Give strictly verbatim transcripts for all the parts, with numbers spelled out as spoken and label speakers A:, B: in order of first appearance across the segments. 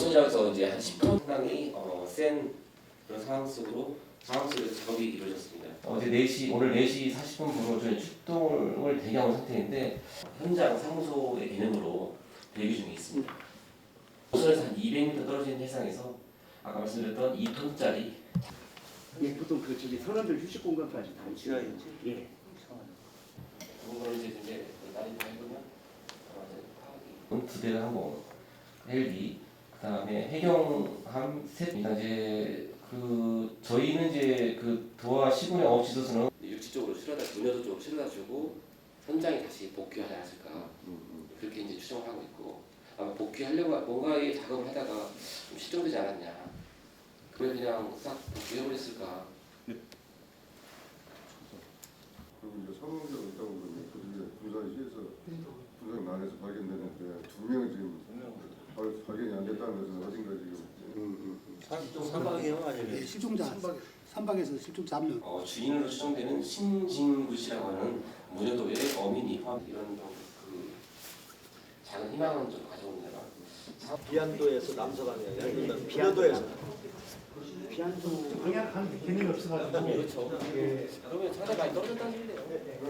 A: 소장에서 이제 한 십 톤 상당히 어, 센 그런 상황 속으로 상황 속에서 작업이 이루어졌습니다. 어제 네 시 오늘 네 시 사십 분부로 저희 출동을 대기하는 상태인데 현장 상소의 개념으로 대기 중에 있습니다. 도선에서 한 이백 미터 떨어진 해상에서 아까 말씀드렸던 이 톤짜리
B: 예, 보통 그 저기 선원들 휴식 공간까지 다 있어요. 예.
A: 그런 걸 이제 이제 나리 해보면 두 대가 항공 헬기 그다음에 해경함 셋 이제 그 저희는 이제 그 도하 시군의 업지도서는 육지 쪽으로 실어다 문여도 쪽으로 실어다 주고 현장에 다시 복귀하지 않았을까 그렇게 이제 추정을 하고 있고 아마 복귀하려고 뭔가의 작업을 하다가 좀 실종되지 않았냐 그걸 그냥 싹 복귀해버렸을까.
C: 그리고 이제 사망자가 있다고 그러면 그중에 부산시에서 부산 난에서 발견되는데 두 명이 지금 발- 발견이 안 됐다는 것은 어딘가 지금
D: 사박이요 아니면
E: 예, 실종자 삼박에서 실종자 한 명.
A: 어, 주인으로 추정되는 신진구 씨라고 하는 문여도의 어민이 이런 좀 그 작은 희망은 좀 가져옵니다.
D: 비안도에서 남서방이 아니라 비안도에서
B: 비안도
E: 방향하는 개념이 없어가지고.
A: 그렇죠. 그러면 상당히 많이 떨어졌다는 소리네요.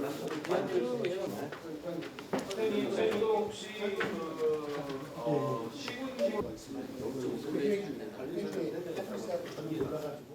F: 선생님, 저희도 혹시 그 어, 시군
E: 관리소에 전이 올라가지고